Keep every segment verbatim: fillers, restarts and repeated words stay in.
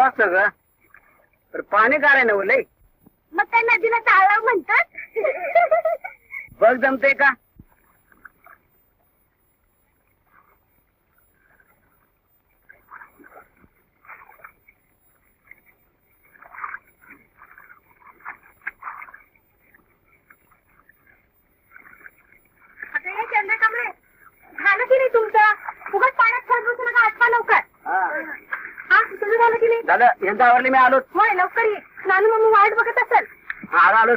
चालू असतं ग, तर पाणी गारे नव लय. मग त्या नदीला तलाव म्हणतात. बघ जमते का? चंद्रकांबळे झालं की नाही तुमचं? उगाच पाण्यात खेळत बसू नका, आठवा लवकर. हा तुझं झालं की नाही? झालं, यांचा आवरली मी आलोच. होय लवकर ये, नानू मम्मी वाट बघत असेल. हा आलोच.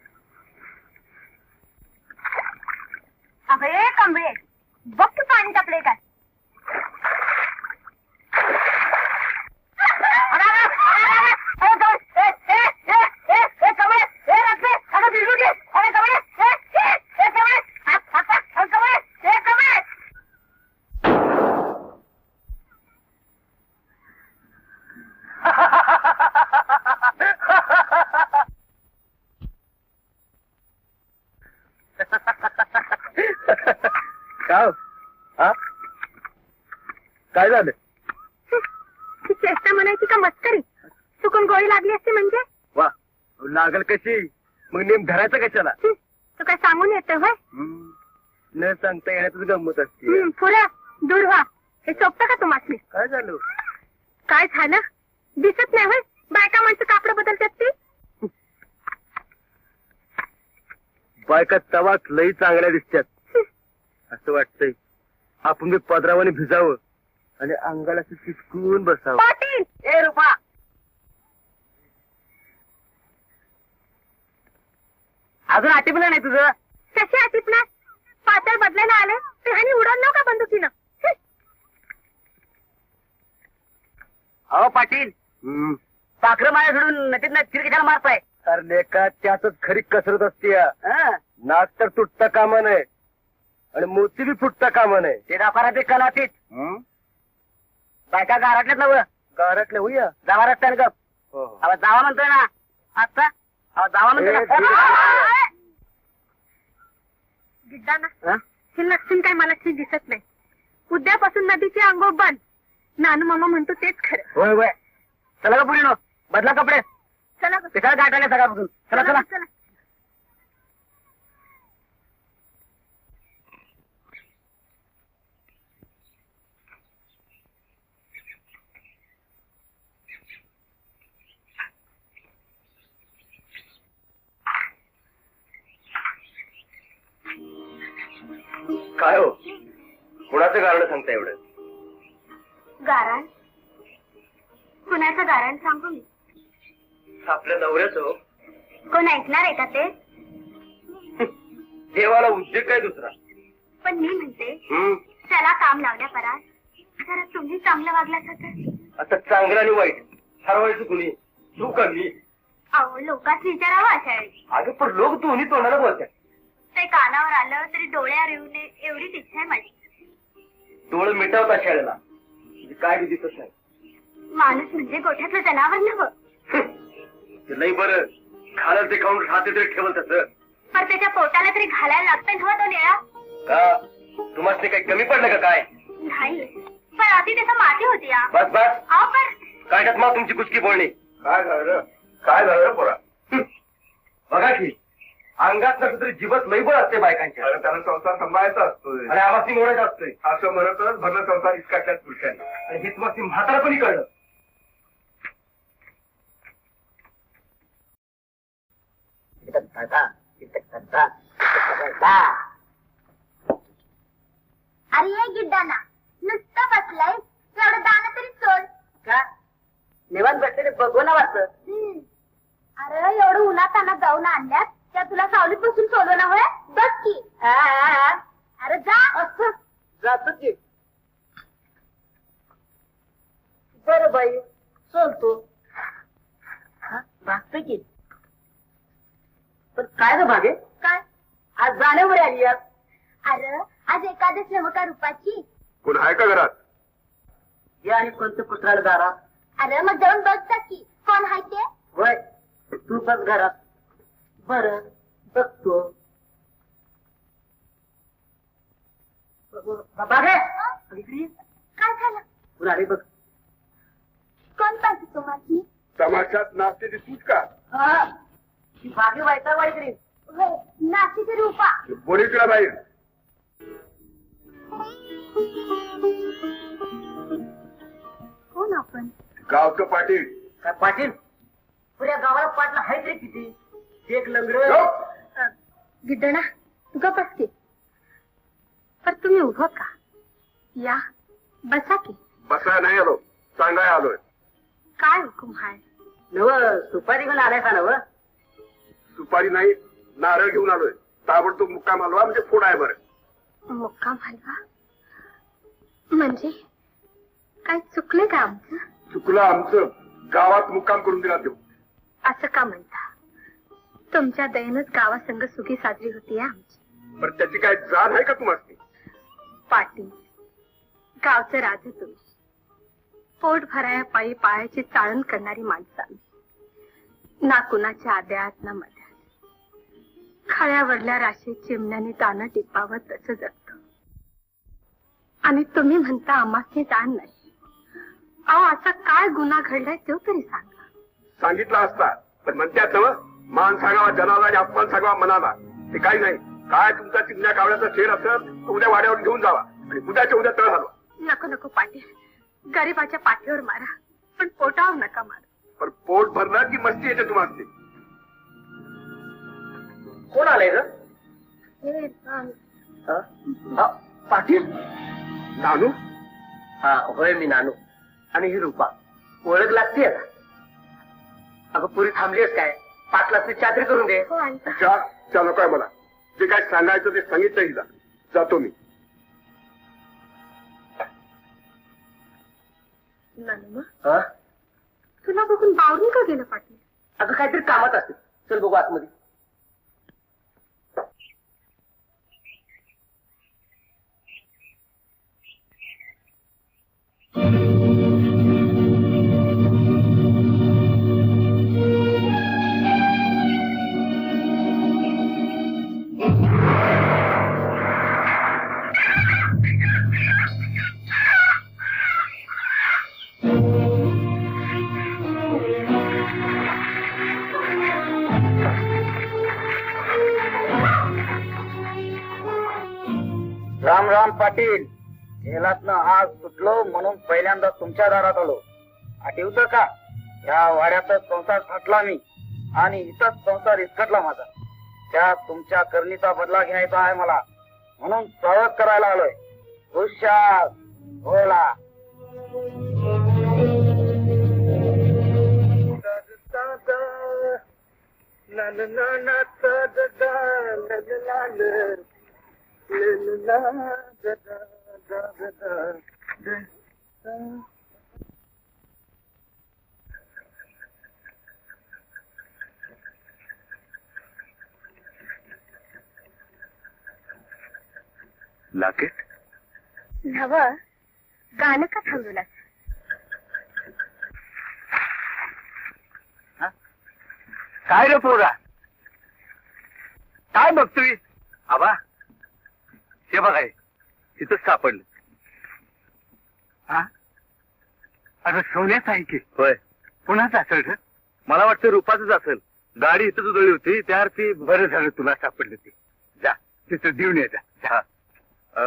अबे कांबळे बघ तू पाणी टाकले काय. काय झालं? चेष्टा म्हणायची का मस्करी? चुकून गोळी लागली असते म्हणजे? वा लागल कशी? मग नेम धरायचं कशाला? तू काय सांगून येतं होय? न सांगता येण्यातच गंमत असते. पुरा दूर व्हा. हे सोपतं का तुम्हाला? काय झालं? काय झालं दिसत नाही होय? बायका माणसं कापड बदलतात ती. बायका तवाच लई चांगल्या दिसतात. असं वाटतंय आपण बी पदरावाने भिजावं आणि अंगाला चिटकून बसावं. पाटील ए रुपा, अजून आटिपलं नाही तुझं? कशी आटिपणार? पातळ बदलायला आले तर ह्यानी उडवलं का बंदुकीनं? अहो पाटील, पाखरं माया सोडून नटीत ना चिरकिशाला मारताय. अरे लेका, त्यातच खरी कसरत असते. नाक तर तुटता कामा नये आणि मोती बी फुटता कामा नये. ते दाफारा ते कलातीत बायका गारटल्यात नव. गारटले होऊया जावा रस्त्याने गप. अहो जावा म्हणतोय ना आता. अहो जावा म्हणतोय ना. गिड्डाना हे लक्षण काय मला ठीक दिसत नाही. उद्यापासून नदीचे अंघोळ बंद. नानू मामा म्हणतो तेच खरं. होय होय. चला का पुढे नो बदला कपडे. चला कशाला गाठायला सकाळपासून. चला चला चला. काय हो, कुणाचं कारण सांगता एवढं? गारण कुणाचं गारण सांगू मी? आपल्या नवऱ्याचं हो. कोण ऐकणार आहे का ते? देवाला उद्योग काय दुसरा? पण मी म्हणते त्याला काम लावल्या परा जरा तुम्ही चांगलं वागलासा तर. आता चांगलं आणि वाईट ठरवायचं कुणी? तू का मी? अहो लोकांच विचारावं अशा वेळी. अगं पण लोक दोन्ही तोंडाला बोलतात. ते कानावर आलं तरी डोळ्यावर येऊ नये एवढीच इच्छा आहे माझी. डोळं मिटवता शाळेला म्हणजे काय बी दिसत नाही. माणूस म्हणजे गोठ्यातलं जनावर नव्हं. नाही बरं, खालं ते खाऊन खाते तरी ठेवल तसं. पण त्याच्या पोटाला तरी घालायला लागतंय नव्हं तो निळा. का तुम्हाला काही कमी पडलं का काय? नाही पण आधी त्याचा माती होती या. बस बस अहो पण काय टाक मग तुमची कुचकी बोलणी. काय झालं काय झालं पोरा? बघा की अंगात नसलं तरी जीवत लईबळ असते बायकांच्या. अरे त्याला संसार सांभाळायचा असतोय आणि आवाज मोडायचा असतोय असं म्हणतच भरण संसार इसकाटल्यात पुरुषांनी. आणि हे तुम्हाला म्हातारा पण कळलं. अरे ये गिड्डाना नुसतं बसलाय एवढं दाणं तरी सोड. का निवांत बसले बघू ना वाटतं. अरे एवढं उन्हाताना जाऊन आणल्यात त्या तुला सावलीत बसून सोडव ना होय. बघ की. अरे जा असं जातो की. बरं बाई चलतो. भागतोय की. पण काय ग भागे? काय? आज जाण्यावर आली आज. अरे आज एकादश नव का रूपाची. कोण आहे का घरात? या आणि कोणतं पुत्राला दारात. अरे मग जाऊन बघता की कोण आहे ते. होय तू बस घरात. बर बघतो. बागे काय झालं? पुन्हा बघ. कोण पाहिजे तुम्हाला तमाशात नाचते ती तूच का बाकी व्हायचा वाईकडे नाशिक रूपा बोली तुला बाहेर कोण आपण गावचं पाटील काय पाटील पुऱ्या गावाला पाटला हायच रे किती एक लंगड गप. गिड्डणा तुका बसके पर तुम्ही उभं का या बसा की बसाय नाही आलो सांगाय आलोय काय हुकुम हाय नव सुपारी घेऊन आलाय का नव सुपारी नाही नारळ घेऊन आलोय ताबडतोब मुक्काम आलोय म्हणजे फोड आहे बरं मुक्काम हलवा म्हणजे काय चुकले का आमचं चुकलं आमचं गावात मुक्काम करून दिला देऊ असं का म्हणता तुमच्या दयेनच गावासंग सुखी साजरी होती आमची पण त्याची काय जाण आहे का तुम्हाला पाटील गावचं राज तुम्ही पोट भराया पायी पायाची चाळण करणारी माणसं आम्ही ना कुणाच्या आद्यात ना मध्यात खळ्यावरल्या राशी चिमण्याने दाणं टिपावं तसं जगतो आणि तुम्ही म्हणता आम्हासनी जाण नाही अहो असा काय गुन्हा घडलाय तो तरी सांगा सांगितलं असता पण म्हणतात ना मान सांगावा जनाला आणि अपमान सांगावा मनाला ते काही नाही काय तुमचा चिमण्या कावड्याचा शेर असेल तर उद्या वाड्यावर घेऊन जावा आणि उद्याच्या उद्या तळ घालवा नको नको पाटील गरीबाच्या पाठीवर मारा पण पोटावर नका मारा पण पोट भरलं की मस्ती येते तुम्हाला कोण आलंय ग हे, अं, हा? हा, पाटील नानू हा होय मी नानू आणि ही रूपा ओळख लागते अगं पुरी थांबलीस काय पाटला चादरी करून दे हो आणता. चहा चहा नको आहे मला जे काय सांगायचं ते सांगितलं हिला जातो मी नानू हा? तुला बघून बावरून का गेलं पाटील अगं काहीतरी कामात असते चल बघू आतमध्ये राम राम पाटील गेलात ना आज सुटलो म्हणून पहिल्यांदा तुमच्या दारात आलो आठवतं का या वाड्यातच संसार थाटला मी आणि इथंच संसार इसकटला माझा त्या तुमच्या करणीचा बदला घ्यायचा आहे मला म्हणून स्वागत करायला आलोय हुशार बोला लाकेट नव गाणं का थांबवलं काय रे पोरा काय बघतोय आबा हे बघाय तिथंच सापडलं हा अरे सोन्याच आहे की होय कुणाच असेल रे मला वाटतं रुपाचंच असेल गाडी इथंच उधळली होती त्यावर ती बरं झालं तुला सापडलं ते जा तिथं देऊन ये जा. हा. अं,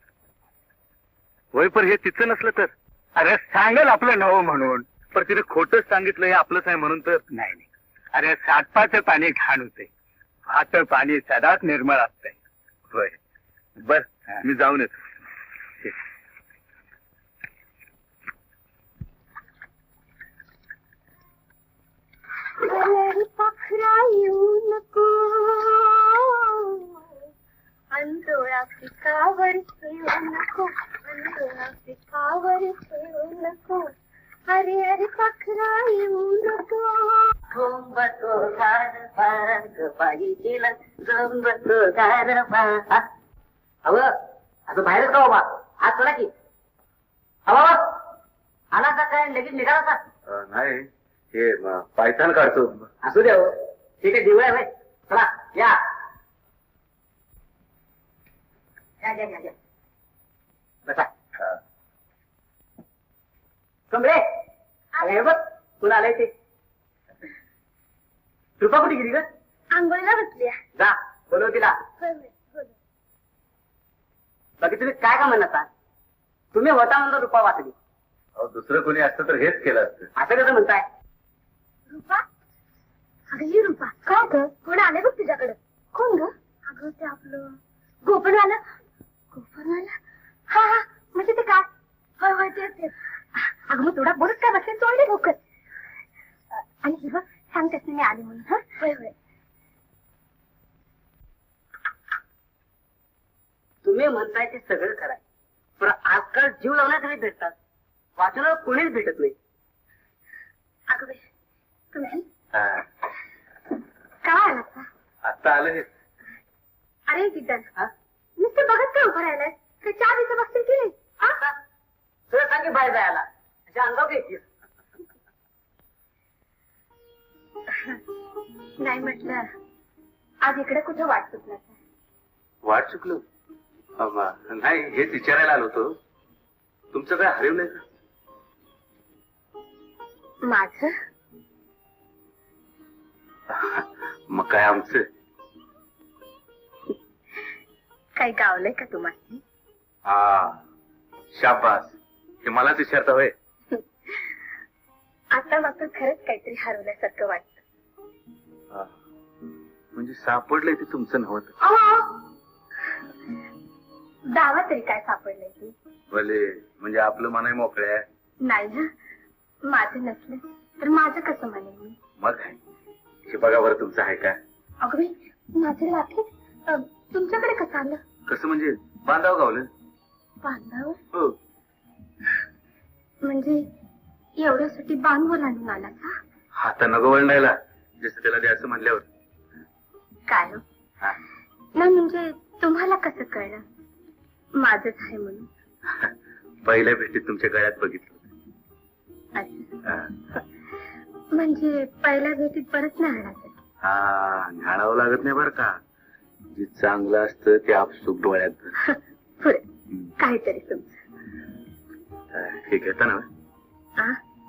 होय पण हे तिचं नसलं तर अरे सांगल आपलं नवं म्हणून पण तिने खोटंच सांगितलं हे आपलंच आहे म्हणून तर नाही नाही अरे साठपाचं पाणी घाण होते भात पाणी सदाच निर्मळ असतंय होय बर मी जाऊन येतो पाखरा येऊ नको अंधोळा पिकावर ठेवू नको अंधोळा पिकावर ठेवू नको अरे अरे पाखरा येऊ नको झोंबतो गारवा ग बाई गेला झोंबतो गारवा अव आता बाहेरच का बाबा आज चला की अवा आला का काय लगेच निघाला का नाही हे पायथान काढतो असू द्या हो ठीक आहे दिवळ आहे भाई चला या या या या या बसा कमरे अरे बघ कोण आलंय ते? रुपा कुठे गेली ग? आंघोळीला बसली जा बोलव तिला. बाकी तुम्ही काय का म्हणता? तुम्ही होता म्हणून रुपा वाचली. दुसरं कोणी असतं तर हेच केलं असतं. असं कसं म्हणताय? रुपा अगं ही रुपा काय ग? कोण आले बघ तुझ्याकडे. कोण ग? अगं ते आपलं गोपनवाला. गोपनवाला हा हा म्हणजे ते काय? होय होय तेच तेच. अगं मग थोडा बोलत काय बसेल तोडले लवकर. आणि ही बघ सांगतेस ना मी आली म्हणून. हा होय होय. तुम्ही म्हणताय ते सगळं खरंय, पण आजकाल जीव लावण्यासाठी भेटतात, वाचनाला कोणीच भेटत नाही. अगं बाई तुम्ही काय आलात का? आता आलं हे. अरे किटन हा? नुसतं बघत काय उभं राहिलाय? ते चार दिवस बघतील की नाही? आता तुला सांगे बाहेर जायला अशा अंगावर घ्यायची. नाही म्हटलं आज इकडे कुठं वाट सुटला? वाट चुकलो नाही, हेच विचारायला आलो होतो. तुमचं काय हरवलंय का? माझं मग काय आमचं? काही गावलंय का तुम्हाला? हा शाबास, हे मलाच विचारता होय. आता मात्र खरंच काहीतरी हरवल्यासारखं वाटतं. हा. म्हणजे सापडलंय ते तुमचं नव्हतं. दावा तरी काय सापडलंय तू? भले म्हणजे आपलं मनाई मोकळं आहे. नाही ना, माझं नसलं तर माझं कसं म्हणेन मी? मग काय हे बघा बरं, तुमचं आहे का? अगं बाई माझं लाकीट अं, तुमच्याकडे कसं आलं? कसं म्हणजे बांधाव गावलं? बांधावर हो. म्हणजे एवढ्यासाठी बांधवर आणून आला का? हाता नको वळणायला, जसं त्याला द्यायचं म्हणल्यावर. काय हो? हा. नाही म्हणजे तुम्हाला कसं कळलं माझंच आहे म्हणून? पहिल्या भेटीत तुमच्या गळ्यात बघितलं. अच्छा. हा. म्हणजे पहिल्या भेटीत परत नाही आला? हा, न्याळावं लागत नाही बरं का. जे चांगलं असतं ते आपसूक डोळ्यात. पुढे काहीतरी तुमचं. हे घेता ना? आ?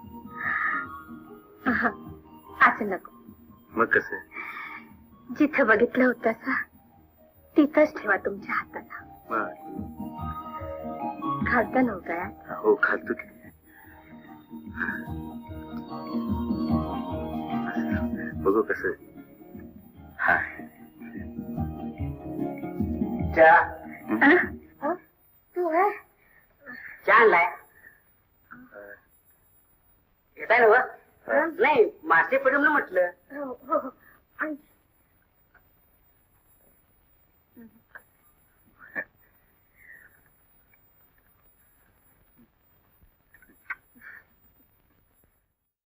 आहा, असं नको. मग कसं? जिथं बघितलं होतं सा तिथंच ठेवा तुमच्या हाताला. घालता नव्हता? हो घालतो की. बघू कसं. हा चहा तू आहे चहा आणलाय? घेताय ना? नाही मासे पडून म्हटलं. हो हो आणि